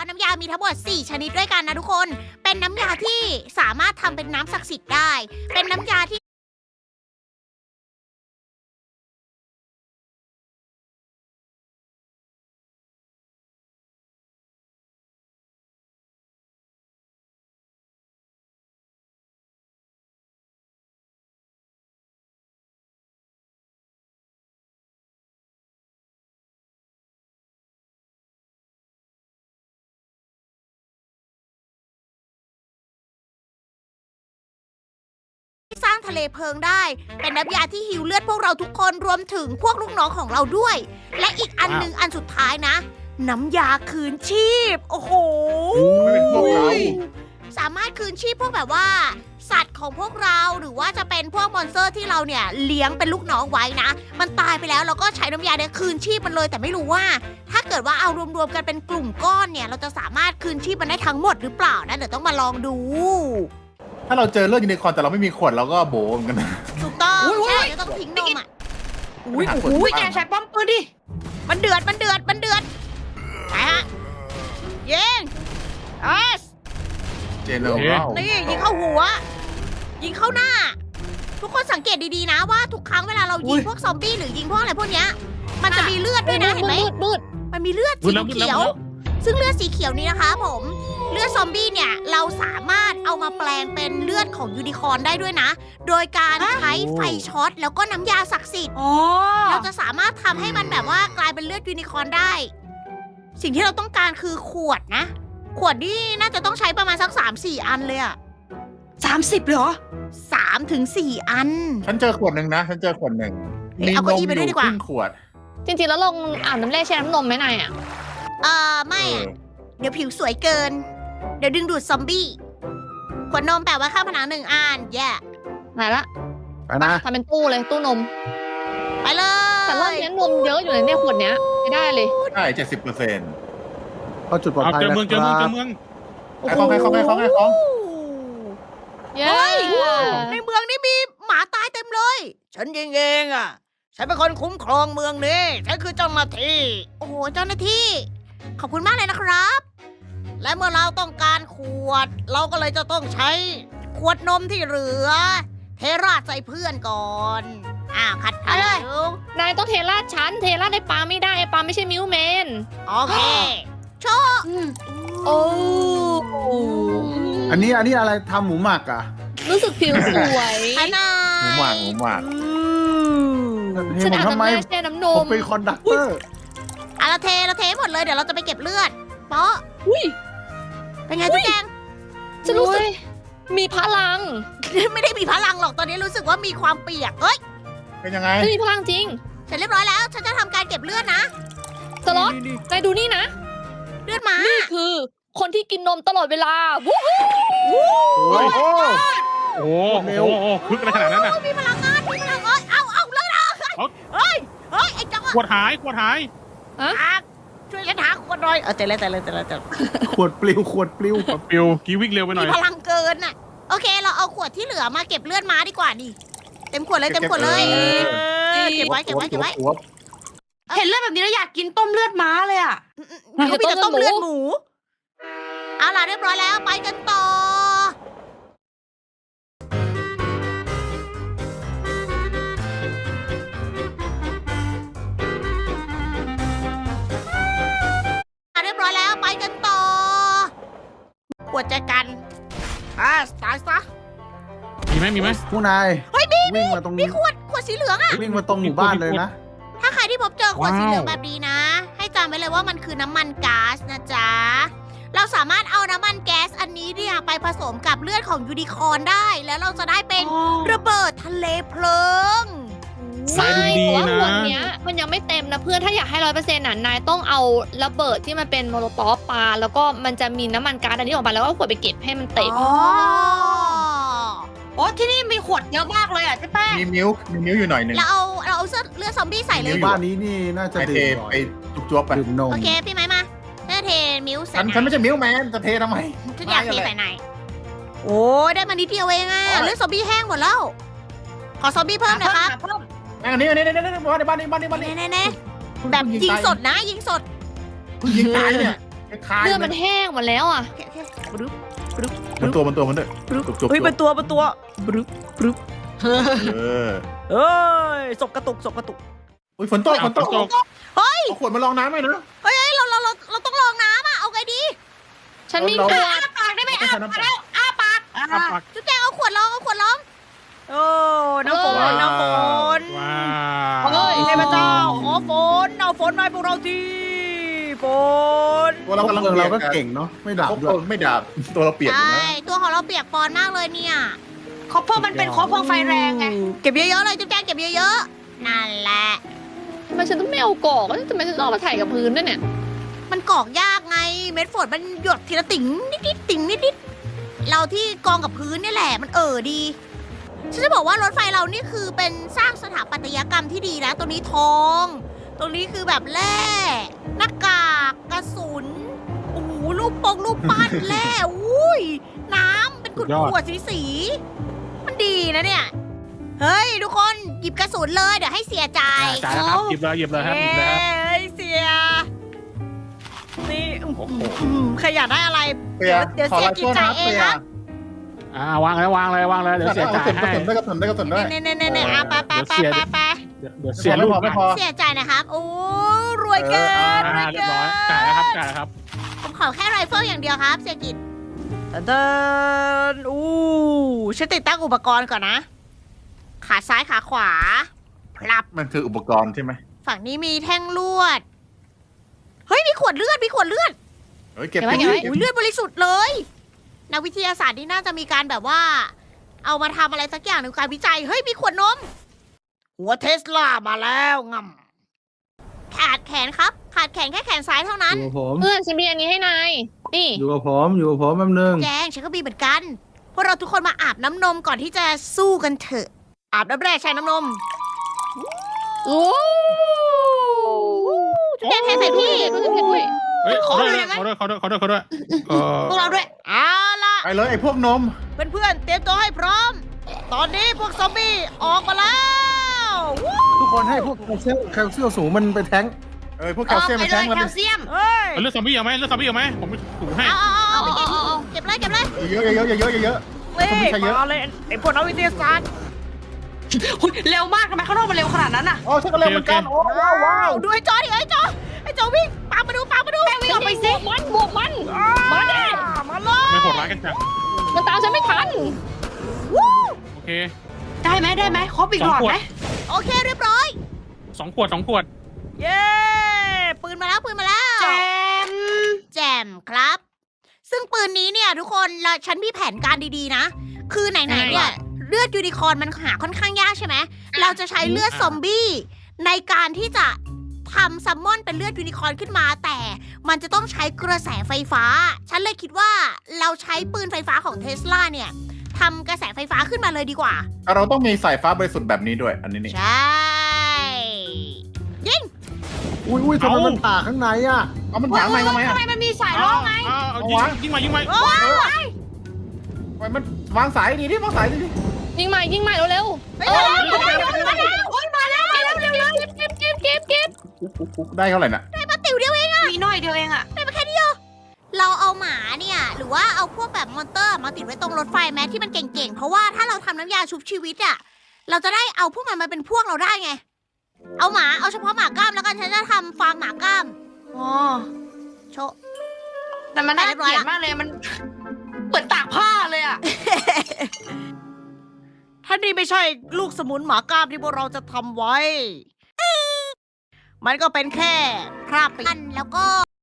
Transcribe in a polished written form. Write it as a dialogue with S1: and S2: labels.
S1: น้ำยามีทั้งหมด4ชนิดด้วยกันนะทุกคน เป็นน้ำยาที่สามารถทำเป็นน้ำศักดิ์สิทธิ์ได้ เป็นน้ำยาที่สร้างทะเลเพลิงได้ เป็นน้ำยาที่หิวเลือดพวกเราทุกคนรวมถึงพวกลูกน้องของเราด้วย และอีกอันหนึ่งอันสุดท้ายนะ น้ำยาคืนชีพ โอ้โห
S2: ไม่เป็นพวกเรา
S1: สามารถคืนชีพพวกแบบว่า สัตว์ของพวกเราหรือว่าจะเป็นพวกมอนสเตอร์ที่เราเนี่ยเลี้ยงเป็นลูกน้องไว้นะ มันตายไปแล้วเราก็ใช้น้ำยาเนี่ยคืนชีพมันเลย แต่ไม่รู้ว่า ถ้าเกิดว่าเอารวมๆกันเป็นกลุ่มก้อนเนี่ย เราจะสามารถคืนชีพมันได้ทั้งหมดหรือเปล่านะเดี๋ยวต้องมาลองดู
S2: ถ้าเราเจอเลือดยูนิคอร์นแต่เราไม่มีขวดเราก็โบเหมือนกันนะ
S1: ถูกต้อง
S3: อุ๊ย
S1: ใช่จะต้องทิ้งนมอ่ะ
S3: อุ้ย
S2: ไปหาคน
S3: อุ้ย
S2: บ้าง
S3: แกใช้ป้อมปืนดิ
S1: มันเดือดไปฮะยิงเอส
S2: เจเนอรัล
S1: นี่ยิงเข้าหัว ยิงเข้าหน้า ทุกคนสังเกตดีๆนะว่าทุกครั้งเวลาเรายิงพวกซอมบี้หรือยิงพวกอะไรพวกเนี้ยมันจะมีเลือดด้วยนะเห็นไหม
S3: มืด
S1: มันมีเลือดสีเขียว ซึ่งเลือดสีเขียวนี้นะคะผม เลือดซอมบี้เนี่ยเราสามารถเอามาแปลงเป็นเลือดของยูนิคอร์นได้ด้วยนะ โดยการใช้ไฟช็อตแล้วก็น้ำยาศักดิ์สิทธิ์
S3: อ๋อ
S1: เราจะสามารถทำให้มันแบบว่ากลายเป็นเลือดยูนิคอร์นได้ สิ่งที่เราต้องการคือขวดนะ ขวดนี่น่าจะต้องใช้ประมาณสัก3-4 อันเลยอะ
S3: 30เหรอ
S1: 3-4 อัน
S2: ฉันเจอขวดหนึ่งนะ ฉันเจอขวดหนึ่ง
S1: เฮ้ยเอาเก้าอี้ไปด้วยดีกว่า
S2: ครึ่งขวด
S4: จริงๆ แล้วลงอาบน้ำแร่แช่น้ำนมไหมนายอ่ะ
S1: ไม่
S2: เอ
S1: อะ
S2: อ
S1: เดี๋ยวผิวสวยเกิน เดี๋ยวดึงดูดซอมบี้ ขวดนมแปะไว้ข้างผนัง1 อันแย่
S4: ไหนละ
S2: ไปนะ
S4: ทำเป็นตู้เลยตู้นม
S1: ไปเลย
S4: แต่รอบนี้นมเยอะอยู่ในเนี่ยขวดเนี้ยไม่ได้เลย
S2: ใช่70%
S5: เข้าจุดปลอด
S6: เอา
S5: ภัย
S6: เจอ
S5: นะ
S6: เมือง
S5: ค
S6: เจอเมืองเจ
S5: รั
S6: อบ เมือง
S2: ไอ้ของไอ้ของไอ้ของไอ้ของ
S4: เย้
S1: ในเมืองนี่มีหมาตายเต็มเลย ฉันยิงเองอ่ะ ฉันเป็นคนคุ้มครองเมืองนี้ ฉันคือเจ้าหน้าที่ โอ้โห เจ้าหน้าที่ ขอบคุณมากเลยนะครับ และเมื่อเราต้องการขวด เราก็เลยจะต้องใช้ขวดนมที่เหลือ เทราดใส่เพื่อนก่อน ขัดขัด
S4: นายต้องเทราดชั้นเทราดในปลาไม่ได้ไอ้ปลาไม่ใช่มิวแมน
S1: โอเค โชว์
S4: โอ้
S5: อันนี้อะไรทำหมูหมักอ่ะ
S4: รู้สึกผิวสวย
S1: ขนาด
S2: หมูหมักหมูหมัก
S5: เฮ้
S4: ฉั
S5: ย
S4: น
S5: ผม
S4: อาบ
S5: ทำไม
S4: น้ำแร่แช่น้ำน
S5: ผม
S4: ม
S5: เป็นคอนดักเตอร์
S1: เราเทหมดเลย เดี๋ยวเราจะไปเก็บเลือด เปาะ
S4: อุ้ย
S1: เป็นไงจุ๊แจง
S4: ฉันรู้สึกมีพลัง
S1: ไม่ได้มีพลังหรอก ตอนนี้รู้สึกว่ามีความเปียก เอ้ย
S2: เป็นยังไง
S4: ฉันมีพลังจริง
S1: เสร็จเรียบร้อยแล้ว ฉันจะทำการเก็บเลือดนะ
S4: สล็อตนายดูนี่นะ
S1: เลือดหมา
S4: นี่คือคนที่กินนมตลอดเวลาวู้ฮู้
S5: โอ้โห
S6: โอ้โหพึกอะไรขนาดนั้นน่ะ
S1: มีพลังงานเอาเลยนะ
S6: เอา
S1: เฮ้ยไอ้จัง
S6: ขวดหายขวดหาย
S1: ช่วยฉันหาขวดหน่อยเจอแล้ว
S5: ขวดปลิว
S6: ปิวกีวิ่งเร็วไปหน่
S1: มี
S6: อย
S1: พลังเกินน่ะ โอเค เราเอาขวดที่เหลือมาเก็บเลือดม้าดีกว่านี่ เต็มขวดเลยเก็บไว้
S3: เห็นเลือดแบบนี้แล้วอยากกินต้มเลือดม้าเลยอ่ะ
S1: เขามีแต่ต้มเลือดหมู เอาล่ะเรียบร้อยแล้วไปกันต่อ เรียบร้อยแล้วไปกันต่อขวดใจกันตายซะ
S6: มีไหม
S5: ผู้นาย
S1: เฮ้ยมี
S5: วิ่งมาตรง
S1: มีขวดสีเหลืองอะ
S5: วิ่งมาตรงหมู่บ้านเลยนะ
S1: ถ้าใครที่พบเจอขวดสีเหลืองแบบนี้นะ ให้จำไว้เลยว่ามันคือน้ำมันก๊าซนะจ๊ะ เราสามารถเอาน้ำมันแก๊สอันนี้เนี่ยไปผสมกับเลือดของยูนิคอร์นได้ แล้วเราจะได้เป็นระเบิดทะเลเพลิง
S4: ใช่
S6: ดี
S4: แต่ว่า
S6: นะ
S4: ขวดเนี้ยมันยังไม่เต็มนะเพื่อนถ้าอยากให้100%น่ะนายต้องเอาระเบิดที่มันเป็นโมโลตอฟปาแล้วก็มันจะมีน้ำมันก๊าซอันนี้ออกมาแล้วก็ขวดไปเก็บให้มันเต็ม
S1: อ๋อ
S3: โอ้ที่นี่มีขวดเยอะมากเลยอ่ะเจ๊แป้ง
S2: มีมิ้วอยู่หน่อยหนึ่ง
S1: เราเอาเลือดซอมบี้ใส่เลย
S5: หมู่บ้านนี้นี่น่าจะ
S2: ไปเท
S5: ดื่มบ่อ
S2: ไป
S5: ย
S2: จุ๊บๆไป
S5: ดื่มนม
S1: โอเคพี่ไม้มาเทมิวใส่
S2: ฉันไม่ใช่มิ้วแมนจะเททำไม
S1: ฉันอยากเทใส่ไหนโอ้ได้มานิดเดียวเองอะเลือดซอมบี้แห้งหมดแล้ว ขอซอมบี้เพิ่มนะครับ
S2: อันนี้บ้านนี้
S1: แน่ๆแบบยิงสดนะยิงสด
S2: ยิงตายเนี่ยคล้าย
S4: เลือด
S2: ๆ
S4: มันแห้งหมดแล้วอ่ะ
S1: โอเคบรึบรึบ
S2: มันตัวมันด้วย
S1: บรึบ
S2: จุกๆ
S1: เฮ้ยเป็นตัวบรึบ
S2: เออ
S1: เอ้ยศพกระตุก
S2: อุ้ยฝนตก
S6: ฝนตก
S2: เอาขวดมาลองน้ำหน่อยนะ
S1: เฮ้ยเราต้องลองน้ำอ่ะเอาไงดี
S4: ฉันมี
S2: เรา
S4: ขวด
S3: ปากได้ไหม
S2: ไม่ใช่น้ำเปล่า
S6: อ่ะปัก
S1: จุ๊บแจงเอาขวดลองโอ้น้ำฝน
S2: ว้าว
S1: น้ำฝน
S6: ว้า
S1: เฮ้ยเทพเจ้าขอฝนเอาฝนมาให้พวกเราทีฝน
S2: ตัวเรากำลัง
S5: เราก็
S2: ปีย
S5: เก่งเนาะไม่ดับ
S2: โอ้
S5: ด้วย
S2: ไม่ดับตัวเราเปียกอยู่
S1: ใช่
S2: นะ
S1: ตัวของเราเปียกปอนมากเลยเนี่ย
S3: คอปเปอร์มันเป็นคอปเปอร์ไฟแรงไง
S1: เก็บเยอะๆเลยจุ๊บแจงเก็บเยอะๆนั่นแหละ
S4: ทำไมฉันต้องไม่เอากรอกทำไมฉันต้องเอามาถ่ายกับพื้นด้วยเนี่ย
S1: มันกรอกยากไงเม็ดฝนมันหยดทีละติ่งนิดๆติ่งนิดๆเราที่กองกับพื้นนี่แหละมันดีฉันจะบอกว่ารถไฟเรานี่คือเป็นสร้างสถาปัตยกรรมที่ดีนะตรงนี้ทอง ตรงนี้คือแบบแร่หน้ากากกระสุนโอ้โหรูปปั้นแร่อุ้ยน้ำเป็นขวดๆสีๆมันดีนะเนี่ยเฮ้ยทุกคนหยิบกระสุนเลยเดี๋ยวให้เสียจ่าย
S6: จ่ายแล้วครับหยิบเลยครับหยิบเลยครับ
S1: เอ้ยเสียนี่
S6: โอ้โห
S1: ใครอยากได้อะไร
S2: เปีย
S1: เดี๋ยว
S2: ขอ
S1: เสีย
S2: ลาย
S1: กิน
S2: ตัว
S1: ใจ
S2: นะ
S1: เอง
S2: เปีย
S1: นะ
S6: วางเลยเดี๋ยวเสียจ่ายให้
S2: ได้กระสุนด้วย
S1: เน่ๆๆๆอ่ะไป
S6: เดี๋ยวเสียลูก
S2: ไม่พอ
S1: เสียใจนะครับ โอ้รวยเกินรวย
S6: เรียบ
S1: เกิ
S6: ร้อย
S1: น
S6: จ่ายแล้วครับ
S1: ผมขอแค่ไรเฟิลอย่างเดียวครับ เสียกิจเดินฉันติดตั้งอุปกรณ์ก่อนนะ ขาซ้ายขาขวาพลับ
S2: มันคืออุปกรณ์ใช่ไหม
S1: ฝั่งนี้มีแท่งลวด เฮ้ยมีขวดเลือด
S2: เฮ้ยเก็บ
S4: เก็บไว้
S1: อุ้ยเลือดบริสุทธิ์เลยนักวิทยาศาสตร์นี่น่าจะมีการแบบว่า เอามาทำอะไรสักอย่างในการวิจัย เฮ้ยมีขวดนม หัวเทสลามาแล้วงำขาดแขนครับ ขาดแขนแค่แขนซ้ายเท่านั้น
S5: อยู่กับผม
S4: เพื่อนฉันมีอันนี้ให้นาย นี่
S5: อยู่กับผมแป๊บนึง
S1: แจงฉันก็มีเหมือนกัน พวกเราทุกคนมาอาบน้ำนมก่อนที่จะสู้กันเถอะ อาบน้ำแร่ใช้น้ำนม
S4: โอ้
S1: จุดแดงเทใส่พี่
S4: ก็จะเผ็ดด้วย
S6: เฮ้ย
S3: ขอ
S6: เขา
S3: เล
S6: ด้วย
S3: ยไหม
S6: เขาด้วย
S3: พวกเราด้วย
S1: เอาล่ะ
S2: ไปเลยไอ้พวกนม
S1: เพื่อนๆเตรียมตัวให้พร้อม ตอนนี้พวกซอมบี้ออกมาแล้ววู้
S5: ทุกคนให้พวกแคลเซียมสูงมันไปแท้ง
S2: พวกแคลเซียม
S3: ไป
S2: มา
S3: เล
S2: แท้
S3: ย
S2: งแล้ว
S3: แคลเซียม
S1: เฮ้ย
S6: เลือดซอมบี้เอาไหมผมถูให้
S1: เอาไปเก็บเลย
S2: เยอะเยอะ
S1: เฮ้ย
S2: ซอมบี้ใช้เยอะ
S1: มาเลยไอ้พวกนักวิทยาศาสตร์
S3: อุ๊ยเร็วมากทำไมข้างนอกมันเร็วขนาดนั้นน่ะ
S2: อ๋อฉันก็เล่นเหมือนกันโอ้ว้าว
S1: ดูไอ้จอดิไอ้จอวิ่งปามาดู
S3: แม่วิ่งออกไปสิ
S4: บวกมัน มาดิ
S1: มาเลย
S6: ไม่โหดร้ายกันจัง
S4: มันตามฉันไม่ทัน
S1: วู้
S6: โอเค
S3: ได้ไหมครบอีกหลอดไหม
S1: โอเคเรียบร้อย
S6: 2 ขวด
S1: เย้ปืนมาแล้ว
S3: แจม
S1: แจมครับ ซึ่งปืนนี้เนี่ยทุกคนฉันมีแผนการดีๆนะ คือไหนๆเนี่ยเลือดยูนิคอร์นมันหาค่อนข้างยากใช่ไหมเราจะใช้เลือดซอมบี้ในการที่จะทำซัมมอนเป็นเลือดยูนิคอร์นขึ้นมา แต่มันจะต้องใช้กระแสไฟฟ้า ฉันเลยคิดว่าเราใช้ปืนไฟฟ้าของเทสลาเนี่ยทำกระแสไฟฟ้าขึ้นมาเลยดีกว่า
S2: เราต้องมีสายฟ้าบริสุทธิ์แบบนี้ด้วย อันนี้นี่
S1: ใช่ยิง
S5: อุ้ยทำไมมันผ่าข้างในอ่ะ
S2: เอามันถางทำไม
S3: ทำไมมันมีสายล่องไง
S6: เอายิงมา
S1: โอ้ย
S2: มันวางสายดีดิวางสายดีดิ
S4: ยิงใหม่เร็ว
S1: ไปเลย
S3: มาแล้วเร็ว
S4: ๆเก็บ
S2: ได้เท่าไหร่น่ะ
S1: มาติ๋วเดียวเอง
S3: มีหน่อยเดียวเองอะ
S1: เราเอาหมาเนี่ย หรือว่าเอาพวกแบบมอนเตอร์มาติดไว้ตรงรถไฟแม้ที่มันเก่งๆ เพราะว่าถ้าเราทำน้ำยาชุบชีวิตอะเราจะได้เอาพวกมันมาเป็นพวกเราได้ไง เอาเฉพาะหมากล้ามแล้วกันฉันจะทำฟาร์มหมากล้าม
S3: อ๋อ
S1: โชะ
S3: แต่มันน่าเกลียดมากเลยมันเหมือนตากผ้าเลยอะ
S1: ถ้านี่ไม่ใช่ลูกสมุนหมากล้ามที่พวกเราจะทำไว้ มันก็เป็นแค่คราบไปแล้วก็